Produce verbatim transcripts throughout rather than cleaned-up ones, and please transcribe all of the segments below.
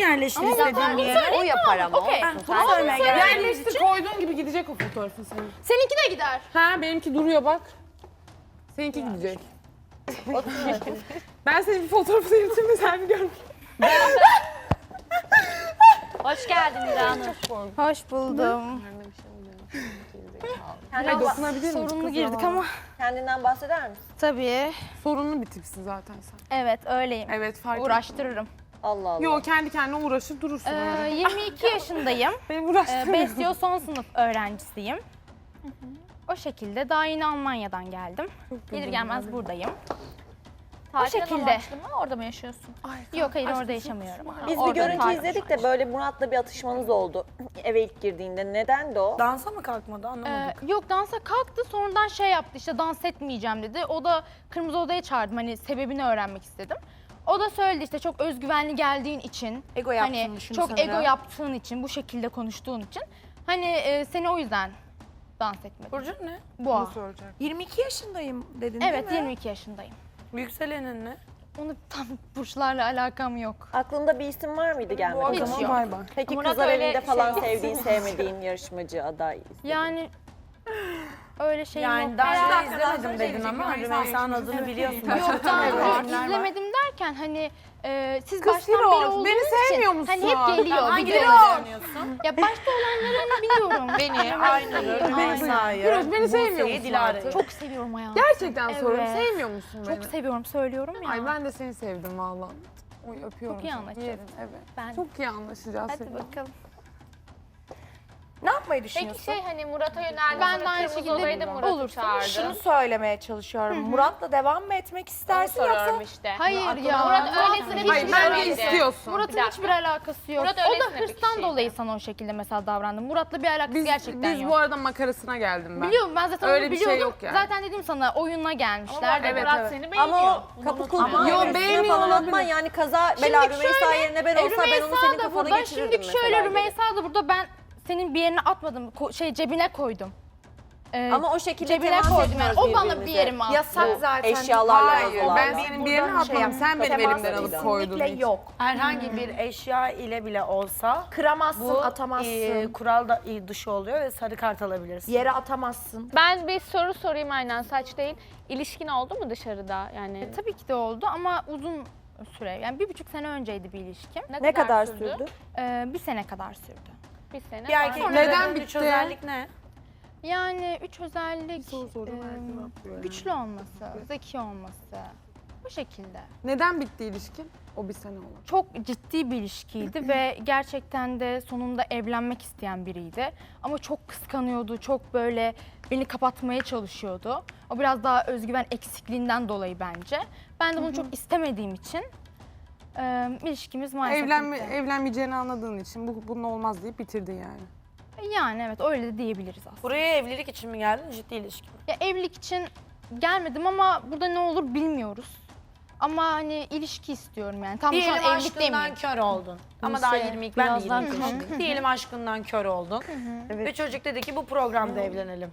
yerleştir istediğin yere. O yapar ama. Okey. olsun. Bunu söylemeye geldim. Yerleştir koyduğun gibi gidecek o fotoğrafın senin. Seninki de gider. Ha benimki duruyor bak. Seninki gidecek. Ben senin bir fotoğrafını yırtayım da sen bir görmeyeyim. Hoş geldin İranur. Hoş buldum. Hayır dokunabilir miyim? Sorunlu girdik ama Kendinden bahseder misin? tabii. Sorunlu bir tipsin zaten sen. Evet öyleyim. Evet fark ettim. Uğraştırırım. Allah Allah. Yo kendi kendine uğraşır durursun Ee, öyle. yirmi iki yaşındayım. Benim Ee, uğraştırmıyorum. Besyo son sınıf öğrencisiyim. O şekilde daha yeni Almanya'dan geldim. Gelir gelmez buradayım. Tatil şekilde. amaçlı mı? Orada mı yaşıyorsun? Yok hayır orada yaşamıyorum. Biz bir Orada görüntü tatil. izledik de böyle Murat'la bir atışmanız oldu eve ilk girdiğinde. Nedendi o? Dansa mı kalkmadı Ee, anlamadık. yok dansa kalktı sonradan şey yaptı işte dans etmeyeceğim dedi. O da Kırmızı Oda'ya çağırdım hani sebebini öğrenmek istedim. O da söyledi işte çok özgüvenli geldiğin için. Ego yaptığını hani düşün çok sanırım. ego yaptığın için bu şekilde konuştuğun için. Hani e, seni o yüzden dans etmedim. Burcu ne? Boğa. soracak. yirmi iki yaşındayım dedin Evet değil mi? yirmi iki yaşındayım. Yükselenin ne? Onu tam burçlarla alakam yok. Aklında bir isim var mıydı gelmeden? Hiç Tamam yok. bay bay. Peki Murat kızlar öyle evinde şey falan yok. sevdiğin, sevmediğin yarışmacı aday istedin. Yani öyle şey yok. Yani daha Herhalde- önce izlemedim dedin ama Rümeysa'nın adını biliyorsun. Yok daha Evet. önce izlemedim derken hani e, siz Kız baştan Firoz, beri olduğunuz beni için sevmiyor musun? hani hep geliyor Hangileri videoları. oynuyorsun? Ya başta olanları hani biliyorum. Beni, Aynur'u, Rümeysa'yı, Firoz beni sevmiyor Buse'yi, musun Dilara'yı. artık? Çok seviyorum hayatım. Gerçekten soruyorum. Evet. Sevmiyor musun beni? Çok seviyorum söylüyorum ya. Ay ben de seni sevdim vallahi. Oy öpüyorum. Çok iyi seni. anlaşacağız. Yerim, evet. Ben- Çok iyi anlaşacağız Hadi seninle. bakalım. Ne yapmayı Peki düşünüyorsun? şey hani Murat'a yöneldi. Ben de sonra aynı Kırmızı şekilde Oda'yı da Murat'ı olursa çağırdı. Şunu söylemeye çalışıyorum. Murat'la devam mı etmek Onu istersin yoksa? soruyorum işte. Hayır ya. Murat öylesine bir Hayır şey ben de söyledi. istiyorsun. Murat'ın Bir dakika. hiçbir alakası yok. Murat o öylesine da bir hırstan kişiydi. dolayı sana o şekilde mesela davrandı. Murat'la bir alakası Biz, gerçekten biz yok. bu arada makarasına geldim ben. Biliyorum ben zaten Öyle onu bir şey biliyordum. yok yani. Zaten dedim sana oyununa Ama gelmişler. bu arada Evet, Murat evet. seni beğeniyor. Ama o Bunu kapı unutma. kullanma. Yo, Yo beğenmiyor falan olabilir. atma yani kaza bela Şimdiki Rümeysa şöyle, yerine ben e, olsa ben onu Rümeysa senin da kafana burada, geçirirdim şimdiki mesela. şöyle geri. Rümeysa da burada ben senin bir yerine atmadım. Ko- şey cebine koydum. Ee, Ama o şekilde cebine temas koydum yani. etmiyoruz O bana bir birbirimize. yerime attı. Yasak zaten. Eşyalarla Hayır falan. ben senin bir yerine Buradan şey atmam. yap- Sen benim temas elimden alıp kesinlikle koydun. hiç. yok. Herhangi bir eşya ile bile olsa Kıramazsın, bu atamazsın. e, kural da e, dışı oluyor ve sarı kart alabilirsin. Yere atamazsın. Ben bir soru sorayım aynen saç değil. İlişkin oldu mu dışarıda yani? E, tabii ki de oldu ama uzun süre. Yani bir buçuk sene önceydi bir ilişkim. Ne kadar sürdü? Ee, bir sene kadar sürdü. Bir sene. Bir erkek sonra- Neden üç bitti? özellik ne? Yani üç özellik Soru sordum, e, her cevap veriyor. güçlü olması, zeki olması. Bu şekilde. Neden bitti ilişkin? O bir sene oldu. Çok ciddi bir ilişkiydi ve gerçekten de sonunda evlenmek isteyen biriydi. Ama çok kıskanıyordu, çok böyle beni kapatmaya çalışıyordu. O biraz daha özgüven eksikliğinden dolayı bence. Ben de bunu çok istemediğim için e, ilişkimiz maalesef Evlenme, bitti. evlenmeyeceğini anladığın için bu bunun olmaz deyip bitirdin yani. Yani evet öyle de diyebiliriz aslında. Buraya evlilik için mi geldin, ciddi ilişki mi? Ya evlilik için gelmedim ama burada ne olur bilmiyoruz. Ama hani ilişki istiyorum yani. Tam şu Diyelim an evlilik aşkından demeyeyim. kör oldun. Ama daha yirmi iki, ben de birazdan yirmi üç. Diyelim aşkından kör oldun. Ve çocuk dedi ki bu programda evlenelim.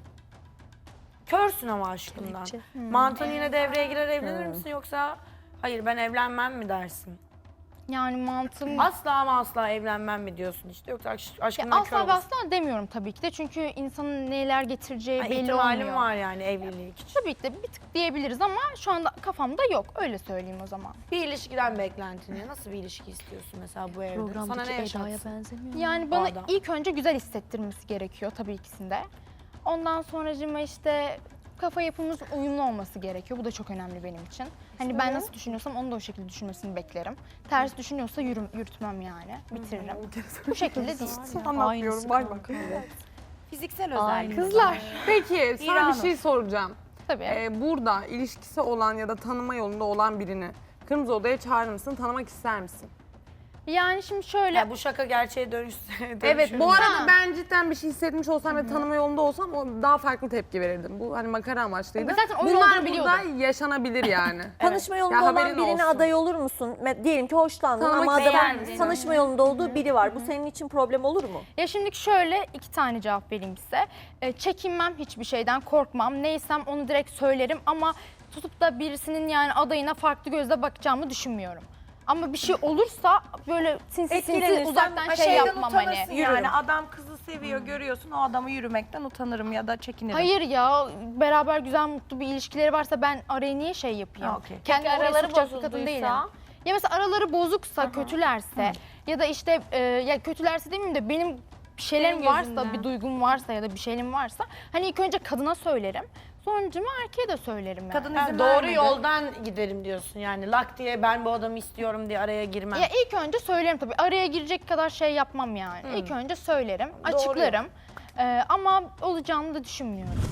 Körsün ama aşkından. Mantığın yine devreye girer, evlenir misin yoksa hayır ben evlenmem mi dersin? Yani mantığım... Asla ama asla evlenmem mi diyorsun işte yoksa aş- Ya aşkından kör asla ve olursun. asla demiyorum tabii ki de çünkü insanın neler getireceği Ha, belli ihtimalim olmuyor. var yani evlilik için. Tabii ki de bir tık diyebiliriz ama şu anda kafamda yok. Öyle söyleyeyim o zaman. Bir ilişkiden beklentin ne? Nasıl bir ilişki istiyorsun mesela bu evde? Sana ne yaşatsın? Yani bana adam. ilk önce güzel hissettirmesi gerekiyor tabii ikisinde. Ondan sonracığıma işte kafa yapımız uyumlu olması gerekiyor. Bu da çok önemli benim için. Hani ben nasıl düşünüyorsam onu da o şekilde düşünmesini beklerim. Ters düşünüyorsa yürüm, yürütmem yani. Bitiririm. Bu şekilde değil. Anlatmıyorum bay bay. Fiziksel özellik. Kızlar. Peki sana İranur. bir şey soracağım. Tabii. Ee, burada ilişkisi olan ya da tanıma yolunda olan birini Kırmızı Oda'ya çağırır mısın? Tanımak ister misin? Yani şimdi şöyle... Ya bu şaka gerçeğe dönüşse Evet bu Ha. arada ben cidden bir şey hissetmiş olsam ve tanıma yolunda olsam o daha farklı tepki verirdim. Bu hani makara amaçlıydı. Zaten oyun Bunlar olduğunu burada biliyordum. yaşanabilir yani. Tanışma yolunda Ya olan haberin birine olsun. aday olur musun? Me- Diyelim ki hoşlandın Tanımak ama ister adamın misin? tanışma yolunda olduğu biri var. Bu senin için problem olur mu? Ya şimdi şöyle iki tane cevap vereyim size. E, çekinmem hiçbir şeyden, korkmam. Neysem onu direkt söylerim ama tutup da birisinin yani adayına farklı gözle bakacağımı düşünmüyorum. Ama bir şey olursa böyle sinsi sinsi Etkilenirsen uzaktan ha, şey şeyden yapmam utanırsın hani. yani. Adam kızı seviyor, görüyorsun o adamı yürümekten utanırım ya da çekinirim. Hayır ya, beraber güzel mutlu bir ilişkileri varsa ben araya niye şey yapayım? Ha, okey. Kendi Peki oraya araları sokacak bir kadın bozulduysa? değilim. Ya mesela araları bozuksa, kötülerse ya da işte e, ya kötülerse demeyeyim de benim bir şeylerim Senin varsa, gözünden. bir duygum varsa ya da bir şeyim varsa hani ilk önce kadına söylerim. Sonucuma erkeğe de söylerim yani. Kadın Ha, izin doğru vermedi. yoldan giderim diyorsun yani. Lak diye ben bu adamı istiyorum diye araya girmem. Ya ilk önce söylerim tabii. Araya girecek kadar şey yapmam yani. İlk önce söylerim, açıklarım. Ee, ama olacağını da düşünmüyorum.